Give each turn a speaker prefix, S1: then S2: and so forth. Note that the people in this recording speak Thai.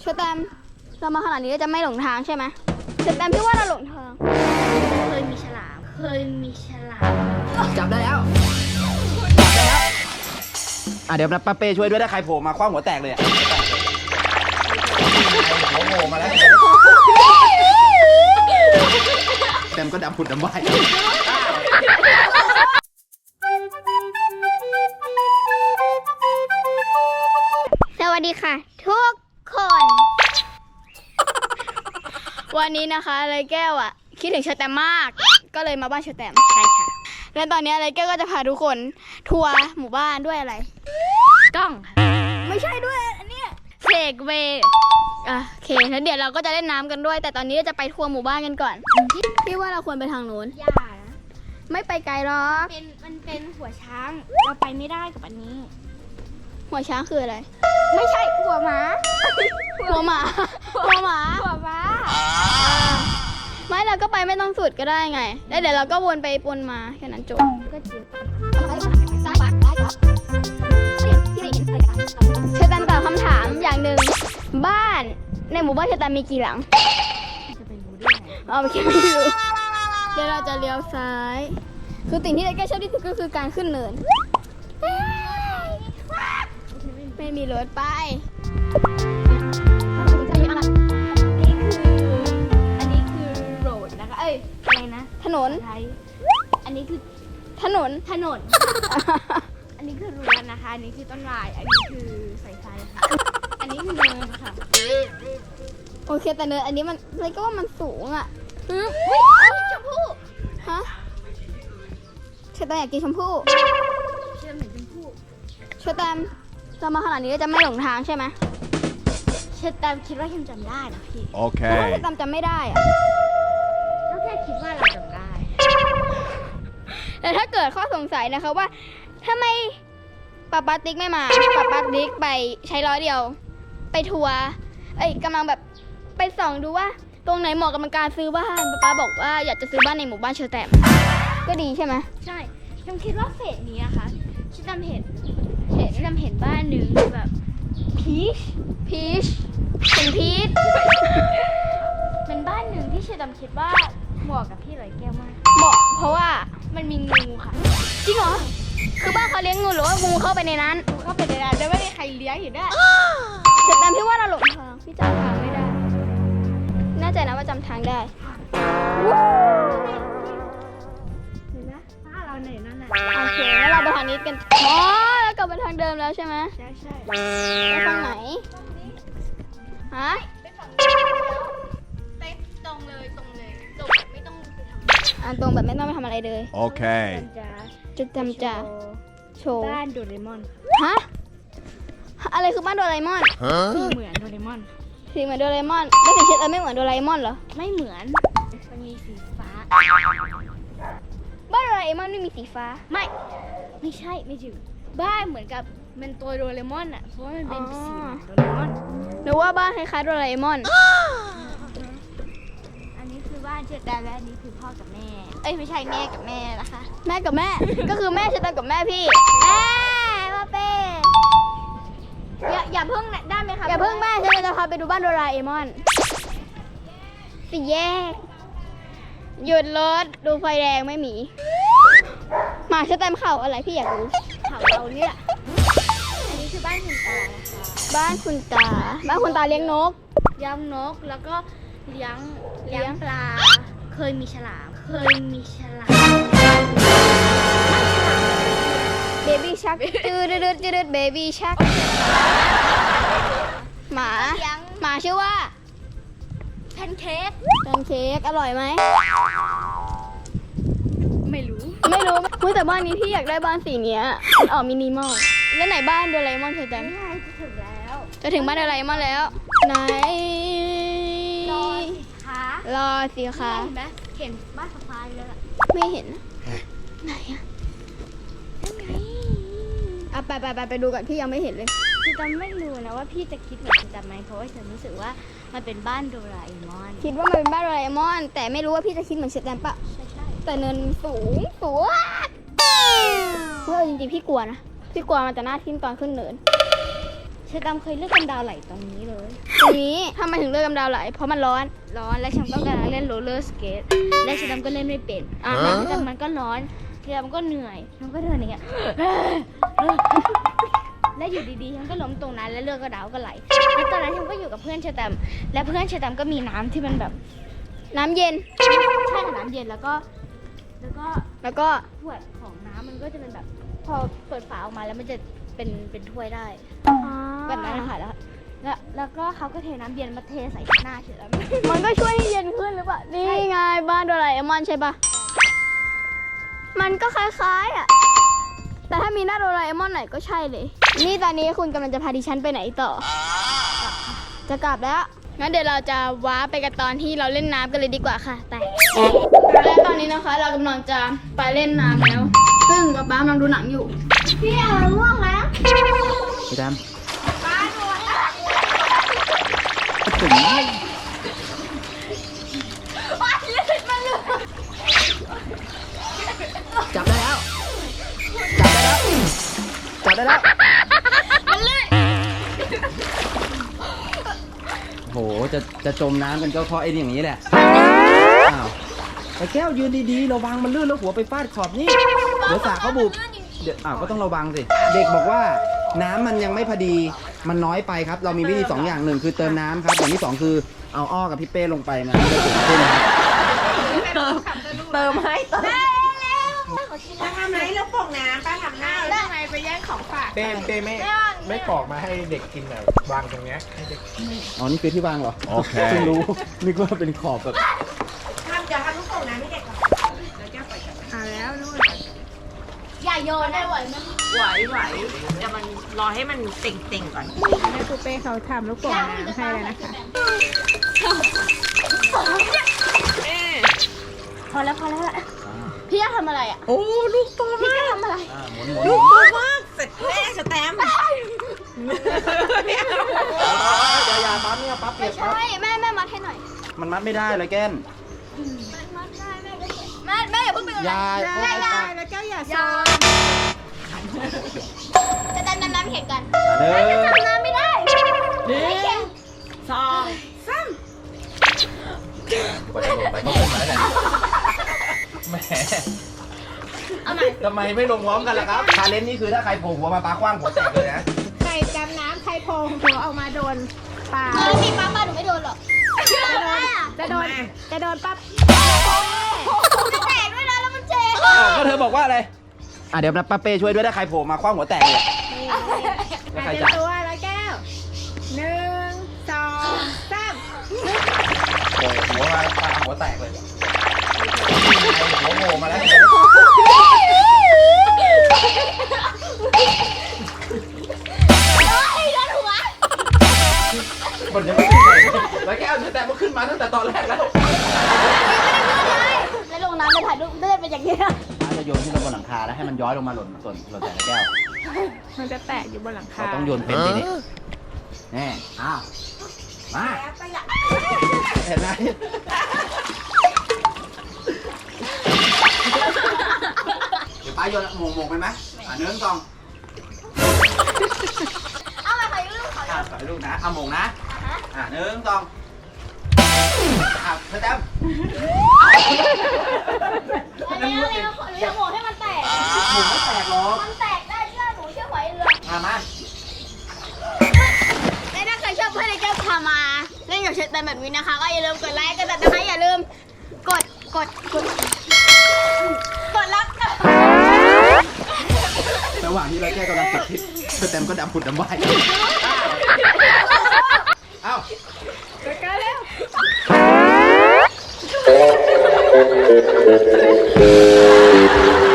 S1: อแตมเรามาขนาดนี้เราจะไม่หลงทางใช่ไหมเชอแตมพี่ว่าเราหลงทาง
S2: เคยมีฉลาม
S3: จับได้แล้วเดี๋ยวป้าเป้ช่วยด้วยถ้าใครโผล่มาคว้างหัวแตกเลยหัวโผล่มาแล้วเต็มก็ดำผุดดำว่าย
S1: สวัสดีค่ะทุกคน วันนี้นะคะไรแก้วคิดถึงเชอแตมมากก็เลยมาบ้านเชอแตมใช่ค่ะและตอนนี้ไรแก้วก็จะพาทุกคนทัวร์หมู่บ้านด้วยอะไรกล้องไม่ใช่ด้วยอันเนี้ยเซกเวย์โอเคแล้วเดี๋ยวเราก็จะเล่นน้ำกันด้วยแต่ตอนนี้เราจะไปทัวร์หมู่บ้านกันก่อนพี่ว่าเราควรไปทางโน้น
S2: อย่านะ
S1: ไม่ไปไกลหรอก
S2: มันเป็นหัวช้าง เราไปไม่ได้กับอันนี้
S1: หัวช้างคืออะไร
S2: ไม่ใช่หัวม้า
S1: หัวหมาหัวหมา
S2: หัวม้า
S1: ไม่เราก็ไปไม่ต้องสุดก็ได้ไงแล้วเดี๋ยวเราก็วนไปวนมาแค่นั้นจบ
S2: ก็จริง
S1: เชอแตมตอบคำถามอย่างหนึ่งบ้านในหมู่บ้านเชอแตมมีกี่หลัง
S2: จะไปรู้ได้ไง
S1: เอาไม่รู้เดี๋ยวเราจะเลี้ยวซ้ายคือสิ่งที่เราแก้ชอบที่สุดก็คือการขึ้นเนินไม่มีรถไป
S2: อันนี้คือโรดนะคะ เอ้ยอะไรนะ
S1: ถนน
S2: ไทยอันนี้คือ
S1: ถนน
S2: ถนน อันนี้คือรั้วนะคะ อันนี้คือต้นไม้อันนี้คือสายไฟค่ะ อันนี้คือเนินค่ะ
S1: โอเคแต่เนินอันนี้มันอะไรก็ว่ามันสูง
S2: อุ๊ยชมพู่
S1: ฮะเชอแตมอยากกินชมพู่
S2: เชื่อเหมือนชมพู่
S1: เชอแตมเรามาขนาดนี้เราจะไม่หลงทางใช่ไหม
S2: เชอแตมคิดว่าคิมจำได้นะพี่
S1: เพราะว่าเชอแตมจำไม่ได้
S2: ก็แค่คิดว่าเราจำได้
S1: แต่ถ้าเกิดข้อสงสัยนะคะว่าทำไมป๊าติ๊กไม่มาป๊าติ๊กไปใช้ร้อยเดียว ไปทัวร์กำลังแบบไปส่องดูว่าตรงไหนเหมาะกับการซื้อบ้านป๊าบอกว่าอยากจะซื้อบ้านในหมู่บ้านเชอแตมก็ดีใช่ไหม
S2: ใช่ฉันคิดว่าเฟสนี้นะคะฉันจำเห็นบ้านหนึ่งแบบพีช
S1: เป็นพีช
S2: เป็นบ้านหนึ่งที่ฉันจำคิดว่าเหมาะกับพี่ร้อยแก้วมาก
S1: เหมาะเพราะว่า
S2: มันมีงูค่ะ
S1: จริงเหรอคือบ้านเขาเลี้ยงงูหรือว่างูเข้าไปในนั้น
S2: งูเข้าไปในนั้นแล้วไม่มีใครเลี้ยงอยู่ด้วย
S1: เชอแตมพี่ว่าเราหลงทางพี่จำทางไม่ได้แน่ใจนะว่าจำทางได้
S2: เห็นไหมบ้านเราไหนนั่นน่ะ
S1: โอเคแล้วเราไปทางนี้กันอ๋อแล้วกลับมาทางเดิมแล้วใช่ไหม
S2: ใช่
S1: ไปทางไหนฮะ
S2: ไปตรงเลยตรงไม่ต้องไปทำ
S1: ตรงแบบไม่ต้องไปทำอะไรเลย
S4: Okay.
S1: จะจำจะโชว์
S2: บ้านโดเรมอน
S1: ฮะอะไรคือบ้านโดราเอมอน
S2: สี
S4: Huh?
S2: เหมือนโดเรมอน
S1: สีเหมือนโดราเอมอนแล้วสีเชดไม่เหมือนโดราเอมอนเหรอ
S2: ไม่เหมือนมันมีสีฟ้า
S1: บ้านโดราเอมอนไม่มีสีฟ้า
S2: ไม่ใช่ไม่ถึงบ้านเหมือนกับมันตัวโดเรมอนอ่ะเพราะว่ามันเป็นสีเหมือนโดเรมอน
S1: หรือว่าบ้านคล้ายๆโดราเอมอน
S2: อันนี้คือบ้านเชอแตมและอันนี้คือพ่อกับแม่ เอ้ยไม่ใช่แม่กับแม่นะคะ
S1: แม่กับแม่ ก็คือแม่เชดกับแม่พี่มาเป้
S2: อย่าเพิ่งได้ไหมคะ
S1: อย่าเพิ่งแม่ฉันจะพาไปดูบ้านโดราเอมอนสี่แยกหยุดรถดูไฟแดงไม่มีหมาเชดเข่าอะไรพี่อยากรู้
S2: เผาเราเนี่ยอันนี้คือบ้านคุณตานะคะ
S1: บ้านคุณตาเลี้ยงนก
S2: เลี้ยงนกแล้วก็เลี้ยงปลา เคยมีฉลาม
S1: เบบี้ชักจืดเบบี้ชักหมาชื่อว่า
S2: แพนเค้ก
S1: แพนเค้กอร่อยไหม
S2: ไม่รู้
S1: ไม่รู้แต่บ้านนี้พี่อยากได้บ้านสีเนี้ยมันออกมินิมอลแล้วไหนบ้านโดราเอมอนเธอจัง
S2: ไม่ใช่จะถึงแล้ว
S1: จะถึงบ้านโดราเอมอนแล้ว ไหน
S2: รอสิคะ
S1: รอสิคะ
S2: เห็นไหมเห็นบ้านสะพายเลยล่ะ
S1: ไม่เห็นนะไหนอะ
S2: นั่นไง
S1: ไปดูก่อนพี่ยังไม่เห็นเลย
S2: คือจำไม่รู้นะว่าพี่จะคิดเหมือนฉันจำไหมเพราะว่าฉันรู้สึกว่ามันเป็นบ้านโดราเอมอน
S1: คิดว่ามันเป็นบ้านโดราเอมอน แต่ไม่รู้ว่าพี่จะคิดเหมือนเชดแตมปะ
S2: ใช่
S1: แต่เนินสูงเฮ้ยจริงๆพี่กลัวนะ พี่กลัวมันจะหน้าทิ่มตอนขึ้นเนิน
S2: เชอร์แตมเคยเลือกกำดาวไหลตรงนี้เลย
S1: ตรงนี้ทำไมถึงเลือกกำดาวไหลเพราะมันร้อน
S2: และฉันก็กำลังเล่นโรลเลอร์สเกตและเชอร์แตมก็เล่นไม่เป็นแต่มันก็ร้อนเชอร์แตมก็เหนื่อยมันก็เดินอย่างเงี้ย และอยู่ดีๆฉันก็ล้มตรงนั้นแล้วเลือดก็ดาวก็ไหลแล้วตอนนั้นฉันก็อยู่กับเพื่อนเชอร์แตมและเพื่อนเชอร์แตมก็มีน้ำที่มันแบบ
S1: น้ำเย็น
S2: ใช่ค่ะน้ำเย็นแล้วก็
S1: แล้วก็
S2: ถ้วยของน้ำมันก็จะเป็นแบบพอเปิดฝาออกมาแล้วมันจะเป็นถ้วยได้แบบนั้นนะคะแล้วก็เขาก็เทน้ำเย็นมาเทใส่หน้าเฉยแล้ว
S1: มันก็ช่วยให้เย็นขึ้นหรือเปล่านี่ไงบ้านโดราเอมอนใช่ปะมันก็คล้ายๆอ่ะแต่ถ้ามีหน้าโดราเอมอนไหนก็ใช่เลย นี่ตอนนี้คุณกำลังจะพาดิฉันไปไหนต่อ จะกลับแล้วงั้นเดี๋ยวเราจะว้าไปกันตอนที่เราเล่นน้ำกันเลยดีกว่าค่ะแต่และตอนนี้นะคะ เรากำลังจะไปเล่นน้ำแล้ว ซึ่งป๊าป๊ากำลังดูหนังอยู่พี่อ่ะง่วงแล้ว
S3: พี่แดม
S1: ป๊าดูแล้ว
S3: ถึง จับได้แล้ว จับได้แล้ว
S1: มันลื่น
S3: โห จะจมน้ำกันก็เพราะไอ้นี่อย่างนี้แหละ อ้าวแต่แก้วยืนดีๆระวังมันลื่นแล้วหัวไปฟาดขอบนี่ เดี๋ยวสาเขาบุบเดี๋ยวก็ต้องระวังสิ เด็กบอกว่าน้ำมันยังไม่พอดี มันน้อยไปครับ เรามีวิธี2อย่างหนึ่งคือเติมน้ำครับ อย่างที่2คือเอาอ้อกับพี่เป้ลงไปมันจะสูงขึ้นครับ
S4: เติมให้เติม
S5: ป้าทำไรแล้วปกน้ำป้าทำหน้าแล้วทำไมไปแย่งของฝาก
S6: เต้ไม่ปอกมาให้เด็กกินแบบวางตรงเนี้ยให้เด็ก
S3: อ๋อ นี่คือที่วางเหรอ โอเคเพิ่งรู้ นึกว่าเป็นขอบแบบ
S5: เดี๋ยวทำลูกโป่งน้ำให้เด็กก่อนแล้วแก้วไปกันแล้วนู่น
S2: อย่าโยนได้ไหวไหม
S5: ไหวเดี๋ยวมันรอให้มันเต่งๆก่อนแม่ปูเป้เขาทำลูกโป่งน้ำให้แล้วนะคะ
S2: พอแล้วแหละ
S1: พี่จะทำอะไรอ่ะ
S5: โอ้ลูกโตมาก
S2: ทำอะไร
S3: หมุน
S5: ลูกโตมากเสร็จแม่สแตมป์
S3: อย่าปั๊บเนี่ยปั๊บเปียกปั๊บ
S1: ใช่แม่มัดให้หน่อย
S3: มันมัดไม่ได้เลยแก้น
S1: มัดได้แม่อย่าเพิ่งไป
S3: ยา
S5: แล้วแก้วอย่าซ้อน
S1: จะดันน้ำแข่งกัน
S3: เด้อ
S1: ทำน้ำไม่ได้ไม่แข่ง
S5: สองสาม
S6: กว่าจะลงไปก็เป็นไรแหละแหม
S1: เอาใหม่
S6: ทำไมไม่ลงพร้อมกันล่ะครับ
S3: ชาเลนจ์นี่คือถ้าใครโผล่หัวมาปลาคว้างหัวแตกเลยนะ
S5: ใครจำน้ำใครโพงหัวออกมาโดนปลา
S1: แล้วทีป้าหนูไม่โดนหรอกจะโดน
S5: จะโดนปั๊บ
S1: จะแตกด้วยนะแล้วมันเจ็บ
S3: ก็เธอบอกว่าอะไร เดี๋ยวป้าเป้ช่วยด้วยถ้าใครโผล่มาคว้างหัวแตกเลยแล้วใคร
S5: เต็ม
S3: จะ
S5: ตัวแล้วแก้ว1 2 3
S6: โผล่หัวมาปลาหัวแตกเลยหัวโผล่มาแล้ว
S3: คนยังไม่ขึ้นเลยแล้วแก้วแต่มันขึ้นมาตั้งแต่ตอนแรกแล้ว
S1: แล้วลงน้ำจะถ่ายรูปได้เป็นอย่างนี้
S3: จะโยนขึ้นไปบนหลังคาแล้วให้มันย้อยลงมาหล่นแต่ละแก้ว
S5: มันจะแตกอยู่บนหลังคา
S3: เราต้องโยนเป็นทีนี้แน่อ้าวมาเห็นไหมเดี๋ยวป้าโยนหมงไปไหม1 2
S1: เอามาถ่ายรูปเขา
S3: ถ่ายรูปนะเอาหมงนะ1 2เธอแต้ม
S1: อันนี้หนูจะโหมให้มันแตก
S3: หมงไม่แตกหรอก
S1: มันแตกได้เชื่อหนูเชื่อไหวเรือ
S3: มา
S1: และถ้าใครชอบเพื่อนในแก้วพามาเล่นกับเชตแตมแบบนี้นะคะ ก็อย่าลืมกดไลค์กดติดตามนะคะอย่าลืมกดแล้ว
S3: ระหว่างที่เราแก้กำลังตัดคลิปเธอแต้มก็ดำผุดดำว่ายเอ้า
S5: ไปกันเร็ว